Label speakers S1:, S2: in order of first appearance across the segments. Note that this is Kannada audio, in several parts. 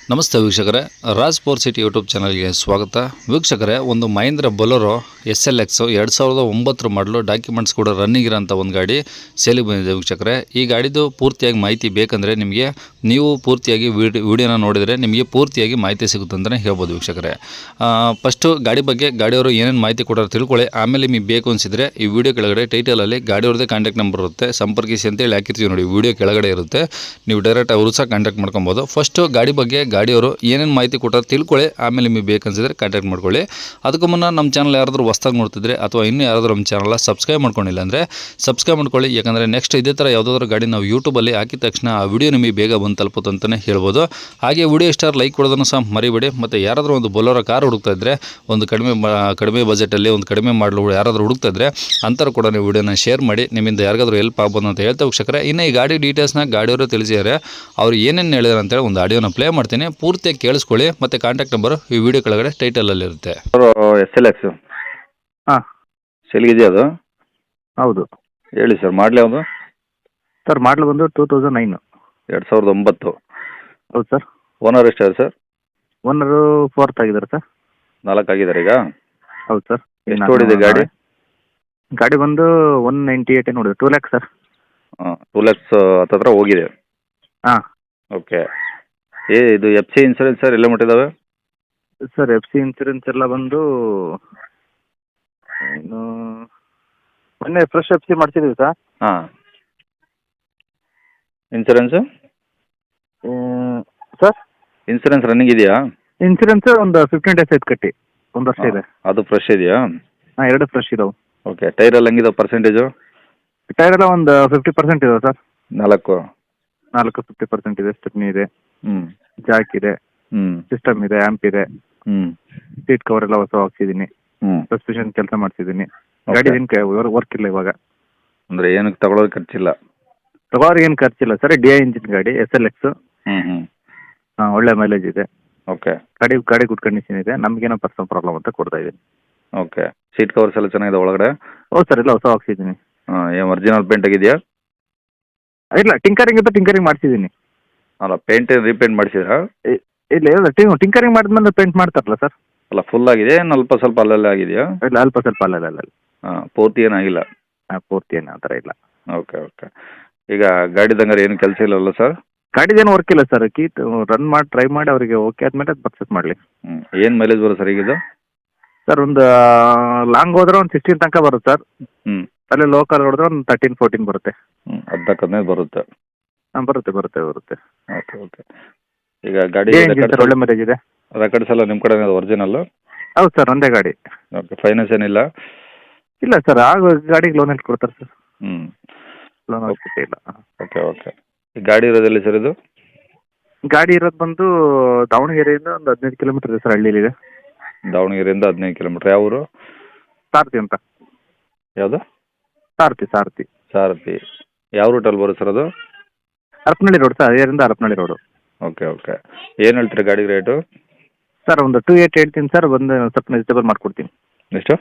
S1: ನಮಸ್ತೆ ವೀಕ್ಷಕರೇ, ರಾಜ್ ಫೋರ್ ಸಿಟಿ ಯೂಟ್ಯೂಬ್ ಚಾನಲ್ಗೆ ಸ್ವಾಗತ. ವೀಕ್ಷಕರೇ, ಒಂದು ಮಹೇಂದ್ರ ಬೊಲೊರೋ SLX 2009 ಮಾಡಲು ಡಾಕ್ಯುಮೆಂಟ್ಸ್ ಕೂಡ ರನ್ನಿಂಗ್ ಇರೋಂಥ ಒಂದು ಗಾಡಿ ಸೇಲಿಗೆ ಬಂದಿದೆ ವೀಕ್ಷಕರೇ. ಈ ಗಾಡಿದು ಪೂರ್ತಿಯಾಗಿ ಮಾಹಿತಿ ಬೇಕಂದರೆ ನಿಮಗೆ ನೀವು ಪೂರ್ತಿಯಾಗಿ ವಿಡಿಯೋನ ನೋಡಿದರೆ ನಿಮಗೆ ಪೂರ್ತಿಯಾಗಿ ಮಾಹಿತಿ ಸಿಗುತ್ತೆ ಅಂತಲೇ ಹೇಳ್ಬೋದು ವೀಕ್ಷಕರೇ. ಫಸ್ಟು ಗಾಡಿ ಬಗ್ಗೆ ಗಾಡಿಯವರು ಏನೇನು ಮಾಹಿತಿ ಕೊಡೋರು ತಿಳ್ಕೊಳ್ಳಿ. ಆಮೇಲೆ ನಿಮಗೆ ಬೇಕು ಅನಿಸಿದರೆ ಈ ವಿಡಿಯೋ ಕೆಳಗಡೆ ಟೈಟಲಲ್ಲಿ ಗಾಡಿಯವ್ರದ್ದೇ ಕಾಂಟ್ಯಾಕ್ಟ್ ನಂಬರ್ ಇರುತ್ತೆ, ಸಂಪರ್ಕಿಸಿ ಅಂತೇಳಿ ಹಾಕಿರ್ತೀವಿ ನೋಡಿ, ವಿಡಿಯೋ ಕೆಳಗಡೆ ಇರುತ್ತೆ. ನೀವು ಡೈರೆಕ್ಟ್ ಅವರು ಸಹ ಕಾಂಟ್ಯಾಕ್ಟ್ ಮಾಡ್ಕೊಬೋದು. ಫಸ್ಟು ಗಾಡಿ ಬಗ್ಗೆ ಗಾಡಿಯವರು ಏನೇನು ಮಾಹಿತಿ ಕೊಟ್ಟಾರೆ ತಿಳ್ಕೊಳ್ಳಿ, ಆಮೇಲೆ ನಿಮಗೆ ಬೇಕನ್ಸಿದ್ರೆ ಕಾಂಟ್ಯಾಕ್ಟ್ ಮಾಡ್ಕೊಳ್ಳಿ. ಅದಕ್ಕೂ ಮುನ್ನ ನಮ್ಮ ಚಾನಲ್ ಯಾರಾದರೂ ಹೊಸ್ದಾಗಿ ನೋಡ್ತಿದ್ರೆ ಅಥವಾ ಇನ್ನೂ ಯಾರಾದರೂ ನಮ್ಮ ಚಾನಲ್ ಸಬ್ಸ್ಕ್ರೈಬ್ ಮಾಡ್ಕೊಂಡಿಲ್ಲ ಅಂದರೆ ಸಬ್ಸ್ಕ್ರೈಬ್ ಮಾಡ್ಕೊಳ್ಳಿ. ಯಾಕಂದರೆ ನೆಕ್ಸ್ಟ್ ಇದೇ ಥರ ಯಾವುದಾದ್ರೂ ಗಾಡಿ ನಾವು ಯೂಟ್ಯೂಬಲ್ಲಿ ಹಾಕಿದ ತಕ್ಷಣ ಆ ವಿಡಿಯೋ ನಿಮಗೆ ಬೇಗ ಬಂದು ತಲುಪುತ್ತೆ ಅಂತಲೇ ಹೇಳ್ಬೋದು. ಹಾಗೆ ವಿಡಿಯೋ ಇಷ್ಟ ಲೈಕ್ ಕೊಡೋದನ್ನು ಸಹ ಮರಿಬೇಡಿ. ಮತ್ತು ಯಾರಾದರೂ ಒಂದು ಬೊಲೊರೋ ಕಾರ್ ಹುಡುಕ್ತಾ ಇದ್ದರೆ, ಒಂದು ಕಡಿಮೆ ಬಜೆಟಲ್ಲಿ ಒಂದು ಕಡಿಮೆ ಮಾಡಲು ಯಾರಾದರೂ ಹುಡುಕ್ತಾ ಇದ್ದರೆ ಅಂಥವ್ರು ಕೂಡ ನೀವು ವಿಡಿಯೋನ ಶೇರ್ ಮಾಡಿ, ನಿಮ್ಮಿಂದ ಯಾರಿಗಾದ್ರೂ ಹೆಲ್ಪ್ ಆಗ್ಬೋದು ಅಂತ ಹೇಳ್ತಾ ವೀಕ್ಷಕರೇ. ಇನ್ನು ಈ ಗಾಡಿ ಡೀಟೇಲ್ಸ್ನ ಗಾಡಿಯವರು ತಿಳಿಸಿದ್ದಾರೆ. ಅವ್ರು ಏನೇನು ಹೇಳಿದಾರೆ ಅಂತೇಳಿ ಒಂದು ಆಡಿಯೋನ ಪ್ಲೇ ಮಾಡ್ತೀನಿ, ಪೂರ್ತಿಯಾಗಿ ಕೇಳಿಸ್ಕೊಳ್ಳಿ. ಮತ್ತು ಕಾಂಟ್ಯಾಕ್ಟ್ ನಂಬರು ಈ ವಿಡಿಯೋ ಕೆಳಗಡೆ ಟೈಟಲಲ್ಲಿರುತ್ತೆ.
S2: SLX
S3: ಹಾಂ
S2: ಸೇಲ್ಗಿದೆಯಾ ಅದು?
S3: ಹೌದು
S2: ಹೇಳಿ ಸರ್, ಮಾಡಲಿ ಯಾವುದು?
S3: ಸರ್ ಮಾಡಲು ಬಂದು 2009.
S2: 2009.
S3: ಹೌದು ಸರ್.
S2: ಓನರ್ ಎಷ್ಟಾರು ಸರ್?
S3: ಓನರು 4th ಆಗಿದ್ದಾರೆ ಸರ್.
S2: 4 ಆಗಿದ್ದಾರೆ ಈಗ?
S3: ಹೌದು ಸರ್.
S2: ಎಷ್ಟು ಓಡಿದೆ ಗಾಡಿ?
S3: ಗಾಡಿ ಬಂದು 198 ನೋಡಿದೆ, 2 lakhs ಸರ್.
S2: 2 lakhs ಹತ್ತತ್ರ ಹೋಗಿದೆ.
S3: ಹಾಂ
S2: ಓಕೆ. ಇದು FC ಇನ್ಸೂರೆನ್ಸ್ ಸರ್ ಎಲ್ಲ ಮುಟ್ಟಿದ್ದಾವೆ?
S3: ಸರ್ FC ಇನ್ಸೂರೆನ್ಸ್ ಎಲ್ಲ ಬಂದು ಏನು ಮೊನ್ನೆ ಫ್ರೆಶ್ FC ಮಾಡಿಸಿದ್ದೀವಿ ಸರ್.
S2: ಹಾಂ. ಇನ್ಸೂರೆನ್ಸು?
S3: ಸರ್
S2: ಇನ್ಸೂರೆನ್ಸ್ ರನ್ನಿಂಗ್ ಇದೆಯಾ?
S3: ಇನ್ಸೂರೆನ್ಸ್ ಒಂದು 15 days ಆಯ್ತು ಕಟ್ಟಿ, 1 ವರ್ಷ ಇದೆ.
S2: ಅದು ಫ್ರೆಶ್ ಇದೆಯಾ?
S3: ಹಾಂ, 2 ಫ್ರೆಶ್ ಇದಾವೆ.
S2: ಓಕೆ. ಟೈರ್ ಎಲ್ಲ ಹೆಂಗಿದಾವೆ ಪರ್ಸೆಂಟೇಜು?
S3: ಟೈರ್ ಎಲ್ಲ ಒಂದು 50% ಇದಾವೆ ಸರ್.
S2: 4
S3: 50% ಇದೆ. ಸ್ಟೆಪ್ನಿ ಇದೆ,
S2: ಹ್ಞೂ,
S3: ಜಾಕ್ ಇದೆ,
S2: ಹ್ಞೂ,
S3: ಸಿಸ್ಟಮ್ ಇದೆ, ಆ್ಯಂಪ್ ಇದೆ,
S2: ಹ್ಞೂ,
S3: ಸೀಟ್ ಕವರ್ ಎಲ್ಲ ಹೊಸ ಹಾಕ್ಸಿದ್ದೀನಿ,
S2: ಹ್ಞೂ.
S3: ಸಸ್ಪೆನ್ಷನ್ ಕೆಲಸ ಮಾಡಿಸಿದ್ದೀನಿ. ಗಾಡಿ ಏನು ವರ್ಕ್ ಇಲ್ಲ ಇವಾಗ.
S2: ಅಂದರೆ ಏನಕ್ಕೆ ತಗೊಳ್ಳೋದು ಖರ್ಚಿಲ್ಲ?
S3: ತಗೋರಿ ಏನು ಖರ್ಚಿಲ್ಲ ಸರ್. DI ಇಂಜಿನ್ ಗಾಡಿ, SLX.
S2: ಹ್ಞೂ, ಹ್ಞೂ.
S3: ಹಾಂ, ಒಳ್ಳೆ ಮೈಲೇಜ್ ಇದೆ.
S2: ಓಕೆ.
S3: ಗಾಡಿ ಗುಡ್ ಕಂಡೀಷನ್ ಇದೆ. ನಮಗೇನೋ ಪರ್ಸನಲ್ ಪ್ರಾಬ್ಲಮ್ ಅಂತ ಕೊಡ್ತಾ ಇದ್ದೀನಿ.
S2: ಓಕೆ. ಸೀಟ್ ಕವರ್ಸ್ ಎಲ್ಲ ಚೆನ್ನಾಗಿದೆ ಒಳಗಡೆ?
S3: ಹೌದು ಸರ್, ಎಲ್ಲ ಹೊಸ ಹಾಕ್ಸಿದ್ದೀನಿ.
S2: ಹಾಂ. ಏನು ಒರಿಜಿನಲ್ ಪೇಂಟ್ ಆಗಿದೆಯಾ?
S3: ಇಲ್ಲ, ಟಿಂಕರಿಂಗ್ ಇತ್ತು, ಟಿಂಕರಿಂಗ್ ಮಾಡಿಸಿದ್ದೀನಿ.
S2: ಅಲ್ಲ, ಪೇಂಟ್ ರೀಪೇಂಟ್ ಮಾಡಿಸಿದ್ರಾ?
S3: ಇಲ್ಲ ಟಿಂಕರಿಂಗ್ ಮಾಡಿದ್ಮೇಲೆ ಪೇಂಟ್ ಮಾಡ್ತಾರಲ್ಲ ಸರ್.
S2: ಅಲ್ಲ, ಫುಲ್ ಆಗಿದೆ ಏನು ಅಲ್ಪ ಸ್ವಲ್ಪ ಅಲ್ಲೆಲ್ಲ ಆಗಿದೆಯಾ?
S3: ಇಲ್ಲ, ಅಲ್ಪ ಸ್ವಲ್ಪ ಅಲ್ಲ.
S2: ಹಾಂ, ಪೂರ್ತಿ ಏನಾಗಿಲ್ಲ?
S3: ಹಾಂ, ಪೂರ್ತಿ ಏನು ಆ ಥರ ಇಲ್ಲ.
S2: Okay, okay. ಈಗ ಗಾಡಿದಂಗಾರೆ ಏನು ಕೆಲಸ ಇಲ್ಲವಲ್ಲ ಸರ್?
S3: ಗಾಡಿದೇನು ವರ್ಕ್ ಇಲ್ಲ ಸರ್. ರನ್ ಮಾಡಿ ಟ್ರೈ ಮಾಡಿ ಅವರಿಗೆ ಓಕೆ ಆದಮೇಲೆ ಅದು ಪರ್ಚೇಸ್ ಮಾಡಲಿ.
S2: ಹ್ಞೂ. ಏನು ಮೈಲೇಜ್ ಬರುತ್ತೆ ಸರ್ ಈಗಿದು?
S3: ಸರ್ ಒಂದು ಲಾಂಗ್ ಹೋದ್ರೆ ಒಂದು 16 ತನಕ ಬರುತ್ತೆ ಸರ್.
S2: ಹ್ಞೂ.
S3: ಅಲ್ಲೇ ಲೋಕಲ್ ಹೊಡೆದ್ರೆ ಒಂದು 13-14 ಬರುತ್ತೆ.
S2: ಹ್ಞೂ, 14-15 ಬರುತ್ತೆ.
S3: ಹಾಂ, ಬರುತ್ತೆ.
S2: Okay, okay. ಈಗ ಗಾಡಿ
S3: ಸರ್ ಒಳ್ಳೆ ಮೈಲೇಜ್ ಇದೆ.
S2: ರೆಕಾರ್ಡ್ಸ್ ಎಲ್ಲ ನಿಮ್ಮ ಕಡೆ ಒರಿಜಿನಲ್ಲು?
S3: ಹೌದು ಸರ್, ಒಂದೇ ಗಾಡಿ.
S2: ಓಕೆ. ಫೈನಾನ್ಸ್ ಏನಿಲ್ಲ?
S3: ಇಲ್ಲ ಸರ್, ಆಗ ಗಾಡಿಗೆ ಲೋನ್ ಎಷ್ಟು ಕೊಡ್ತಾರೆ ಸರ್?
S2: ಹ್ಞೂ.
S3: ಲೋನ್ ಅವಶ್ಯಕತೆ ಇಲ್ಲ.
S2: Okay, okay. ಈ ಗಾಡಿ ಇರೋದೆಲ್ಲಿ ಸರ್ ಇದು?
S3: ಗಾಡಿ ಇರೋದು ಬಂದು ದಾವಣಗೆರೆಯಿಂದ ಒಂದು 15 ಕಿಲೋಮೀಟರ್ ಇದೆ ಸರ್, ಹಳ್ಳಿಲಿದೆ.
S2: ದಾವಣಗೆರೆಯಿಂದ 15 ಕಿಲೋಮೀಟ್ರ್. ಯಾವ ಊರು?
S3: ಸಾರಥಿ ಅಂತ.
S2: ಯಾವುದು?
S3: ಸಾರಥಿ.
S2: ಸಾರಥಿ. ಯಾವ ರೂಟಲ್ಲಿ ಬರುತ್ತೆ ಸರ್ ಅದು?
S3: ಹರಪನಹಳ್ಳಿ ರೋಡ್ ಸರ್, ಹರಿಹರದಿಂದ ಹರಪನಹಳ್ಳಿ ರೋಡು.
S2: Okay, okay. ಏನು ಹೇಳ್ತೀರಾ ಗಾಡಿಗೆ ರೇಟು?
S3: ಸರ್ ಒಂದು 280 ಹೇಳ್ತೀನಿ ಸರ್, ಬಂದು ಸ್ವಲ್ಪ ವೆಜಿಟೇಬಲ್ ಮಾಡಿಕೊಡ್ತೀನಿ.
S2: ಎಷ್ಟು?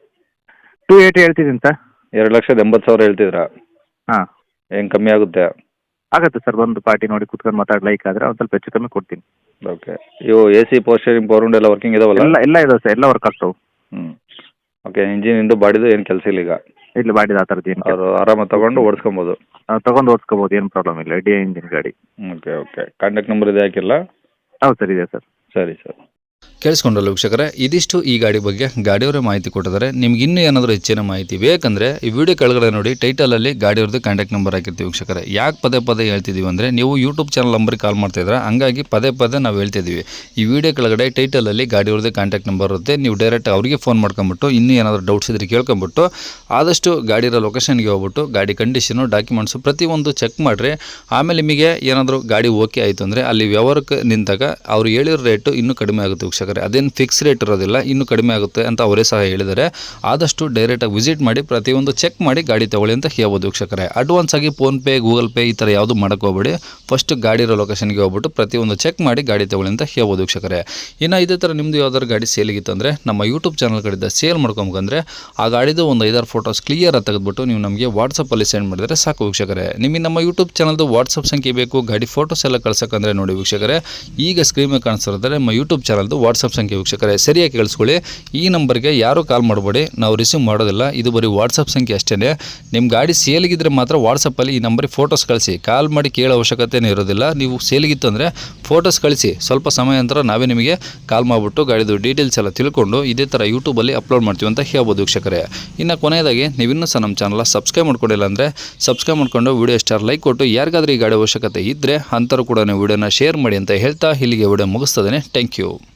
S3: 280 ಹೇಳ್ತಿದ್ದೀನಿ ಸರ್.
S2: 2,80,000 ಹೇಳ್ತಿದ್ರಾ?
S3: ಹಾಂ.
S2: ಏನು ಕಮ್ಮಿ ಆಗುತ್ತೆ?
S3: ಆಗುತ್ತೆ ಸರ್, ಬಂದು ಪಾರ್ಟಿ ನೋಡಿ ಕುತ್ಕೊಂಡು ಮಾತಾಡಿ ಲೈಕ್ ಆದರೆ ಒಂದು ಸ್ವಲ್ಪ ಹೆಚ್ಚು ಕಮ್ಮಿ ಕೊಡ್ತೀನಿ.
S2: ಓಕೆ. ಇವು AC ಪೋಸ್ಟರಿಂಗ್ ಪವರ್ ವಿಂಡೋ ಎಲ್ಲ ವರ್ಕಿಂಗ್ ಇದಾವಲ್ಲ?
S3: ಎಲ್ಲ ಇದಾವೆ ಸರ್, ಎಲ್ಲ ವರ್ಕ್ ಆಗ್ತಾವೆ.
S2: ಹ್ಞೂ. ಓಕೆ. ಇಂಜಿನಿಂದು ಬಾಡಿದು ಏನು ಕೆಲಸ ಇಲ್ಲ ಈಗ?
S3: ಇಲ್ಲ, ಬಾಡಿದ ಆ ಥರದ್ದು ಏನು
S2: ಅವರು ಆರಾಮಾಗಿ ತೊಗೊಂಡು ಓಡಿಸ್ಕೊಬೋದು?
S3: ತೊಗೊಂಡು ಓಡಿಸ್ಕೋಬೋದು, ಏನು ಪ್ರಾಬ್ಲಮ್ ಇಲ್ಲ. DI ಇಂಜಿನ್ ಗಾಡಿ.
S2: Okay, okay. ಕಾಂಟ್ಯಾಕ್ಟ್ ನಂಬರ್ ಇದೆ ಹಾಕಿಲ್ಲ?
S3: ಹೌದು ಸರ್, ಇದೆ ಸರ್.
S2: ಸರಿ ಸರ್.
S1: ಕೇಳಿಸ್ಕೊಂಡ್ರಲ್ಲ ವೀಕ್ಷಕರೇ, ಇದಿಷ್ಟು ಈ ಗಾಡಿ ಬಗ್ಗೆ ಗಾಡಿಯವರೇ ಮಾಹಿತಿ ಕೊಟ್ಟಿದ್ದಾರೆ. ನಿಮ್ಗೆ ಇನ್ನೂ ಏನಾದರೂ ಹೆಚ್ಚಿನ ಮಾಹಿತಿ ಬೇಕಂದರೆ ಈ ವಿಡಿಯೋ ಕೆಳಗಡೆ ನೋಡಿ ಟೈಟಲಲ್ಲಿ ಗಾಡಿಯವ್ರದ್ದು ಕಾಂಟ್ಯಾಕ್ಟ್ ನಂಬರ್ ಹಾಕಿರ್ತೀವಿ ವೀಕ್ಷಕರೇ. ಯಾಕೆ ಪದೇ ಹೇಳ್ತಿದ್ದೀವಿ ಅಂದರೆ ನೀವು ಯೂಟ್ಯೂಬ್ ಚಾನಲ್ ನಂಬರ್ಗೆ ಕಾಲ್ ಮಾಡ್ತಾಯಿದ್ರೆ, ಹಂಗಾಗಿ ಪದೇ ನಾವು ಹೇಳ್ತಿದ್ದೀವಿ. ಈ ವಿಡಿಯೋ ಕೆಳಗಡೆ ಟೈಟಲಲ್ಲಿ ಗಾಡಿಯವ್ರದ್ದು ಕಾಂಟ್ಯಾಕ್ಟ್ ನಂಬರ್ ಇರುತ್ತೆ. ನೀವು ಡೈರೆಕ್ಟ್ ಅವರಿಗೆ ಫೋನ್ ಮಾಡ್ಕೊಂಬಿಟ್ಟು ಇನ್ನೂ ಏನಾದರೂ ಡೌಟ್ಸ್ ಇದ್ರೆ ಕೇಳ್ಕೊಂಬಿಟ್ಟು ಆದಷ್ಟು ಗಾಡಿರೋ ಲೊಕೇಶನ್ಗೆ ಹೋಗ್ಬಿಟ್ಟು ಗಾಡಿ ಕಂಡೀಷನು, ಡಾಕ್ಯುಮೆಂಟ್ಸು ಪ್ರತಿಯೊಂದು ಚೆಕ್ ಮಾಡಿರಿ. ಆಮೇಲೆ ನಿಮಗೆ ಏನಾದರೂ ಗಾಡಿ ಓಕೆ ಆಯಿತು ಅಂದರೆ ಅಲ್ಲಿ ವ್ಯವಹಾರಕ್ಕೆ ನಿಂತಾಗ ಅವ್ರು ಹೇಳಿರೋ ರೇಟು ಇನ್ನೂ ಕಡಿಮೆ ಆಗುತ್ತೆ ವೀಕ್ಷಕರೇ. ಅದೇನು ಫಿಕ್ಸ್ ರೇಟ್ ಇರೋದಿಲ್ಲ, ಇನ್ನೂ ಕಡಿಮೆ ಆಗುತ್ತೆ ಅಂತ ಅವರೇ ಸಹ ಹೇಳಿದ್ದಾರೆ. ಆದಷ್ಟು ಡೈರೆಕ್ಟಾಗಿ ವಿಸಿಟ್ ಮಾಡಿ ಪ್ರತಿಯೊಂದು ಚೆಕ್ ಮಾಡಿ ಗಾಡಿ ತೊಗೊಳ್ಳಿ ಅಂತ ಹೇಳ್ಬೋದು ವೀಕ್ಷಕರೇ. ಅಡ್ವಾನ್ಸ್ ಆಗಿ ಫೋನ್ಪೇ, ಗೂಗಲ್ ಪೇ ಈ ಥರ ಯಾವುದು ಮಾಡೋಕ್ಕೆ ಹೋಗ್ಬೇಡಿ. ಫಸ್ಟ್ ಗಾಡಿ ಇರೋ ಲೊಕೇಶನ್ಗೆ ಹೋಗ್ಬಿಟ್ಟು ಪ್ರತಿಯೊಂದು ಚೆಕ್ ಮಾಡಿ ಗಾಡಿ ತೊಗೊಳ್ಳಿ ಅಂತ ಹೇಳ್ಬೋದು ವೀಕ್ಷಕರೇ. ಇನ್ನು ಇದೇ ಥರ ನಿಮ್ಮದು ಯಾವ್ದಾದ್ರು ಗಾಡಿ ಸೇಲಿಗಿತ್ತಂದರೆ ನಮ್ಮ ಯೂಟ್ಯೂಬ್ ಚಾನಲ್ ಕಡೆಯಿಂದ ಸೇಲ್ ಮಾಡ್ಕೊಂಬಂದ್ರೆ ಆ ಗಾಡಿದು ಒಂದು 5-6 ಫೋಟೋಸ್ ಕ್ಲಿಯರ್ ಆಗಿ ತೆಗೆದುಬಿಟ್ಟು ನೀವು ನಮಗೆ ವಾಟ್ಸಪ್ಪಲ್ಲಿ ಸೆಂಡ್ ಮಾಡಿದರೆ ಸಾಕು ವೀಕ್ಷಕರೇ. ನಿಮಗೆ ನಮ್ಮ ಯೂಟ್ಯೂಬ್ ಚಾನಲ್ದು ವಾಟ್ಸಪ್ ಸಂಖ್ಯೆ ಬೇಕು, ಗಾಡಿ ಫೋಟೋಸ್ ಎಲ್ಲ ಕಳ್ಸೋಕ್ಕಂದ್ರೆ ನೋಡಿ ವೀಕ್ಷಕರೇ, ಈಗ ಸ್ಕ್ರೀನ್ ಮೇಲೆ ಕಾಣಿಸ್ತಿರೋದ್ರೆ ನಮ್ಮ ಯೂಟ್ಯೂಬ್ ಚಾನಲ್ದು ವಾಟ್ಸಪ್ ಸಂಖ್ಯೆ ವೀಕ್ಷಕರೇ. ಸರಿಯಾಗಿ ಕೇಳಿಸ್ಕೊಳ್ಳಿ, ಈ ನಂಬರ್ಗೆ ಯಾರೂ ಕಾಲ್ ಮಾಡಬೇಡಿ, ನಾವು ರಿಸೀವ್ ಮಾಡೋದಿಲ್ಲ. ಇದು ಬರೀ ವಾಟ್ಸಪ್ ಸಂಖ್ಯೆ ಅಷ್ಟೇ. ನಿಮ್ಮ ಗಾಡಿ ಸೇಲಿಗಿದ್ರೆ ಮಾತ್ರ ವಾಟ್ಸಪ್ಪಲ್ಲಿ ಈ ನಂಬರಿಗೆ ಫೋಟೋಸ್ ಕಳಿಸಿ, ಕಾಲ್ ಮಾಡಿ ಕೇಳೋ ಅವಶ್ಯಕತೆನೇ ಇರೋದಿಲ್ಲ. ನೀವು ಸೇಲಿಗಿತ್ತು ಅಂದರೆ ಫೋಟೋಸ್ ಕಳಿಸಿ, ಸ್ವಲ್ಪ ಸಮಯ ನಂತರ ನಾವೇ ನಿಮಗೆ ಕಾಲ್ ಮಾಡಿಬಿಟ್ಟು ಗಾಡಿದು ಡೀಟೇಲ್ಸ್ ಎಲ್ಲ ತಿಳ್ಕೊಂಡು ಇದೇ ಥರ ಯೂಟ್ಯೂಬಲ್ಲಿ ಅಪ್ಲೋಡ್ ಮಾಡ್ತೀವಿ ಅಂತ ಹೇಳ್ಬೋದು ವೀಕ್ಷಕರೇ. ಇನ್ನು ಕೊನೆಯದಾಗಿ ನೀವಿನ್ನೂ ಸಹ ನಮ್ಮ ಚಾನಲ್ ಸಬ್ಸ್ಕ್ರೈಬ್ ಮಾಡ್ಕೊಂಡಿಲ್ಲ ಅಂದರೆ ಸಬ್ಸ್ಕ್ರೈಬ್ ಮಾಡ್ಕೊಂಡು ವಿಡಿಯೋ ಸ್ಟಾರ್ ಲೈಕ್ ಕೊಟ್ಟು ಯಾರಿಗಾದ್ರೂ ಈ ಗಾಡಿ ಅವಶ್ಯಕತೆ ಇದ್ದರೆ ಅಂಥವ್ರು ಕೂಡ ನೀವು ವಿಡಿಯೋನ ಶೇರ್ ಮಾಡಿ ಅಂತ ಹೇಳ್ತಾ ಇಲ್ಲಿಗೆ ವಿಡಿಯೋ ಮುಗಿಸ್ತದೆ. Thank you.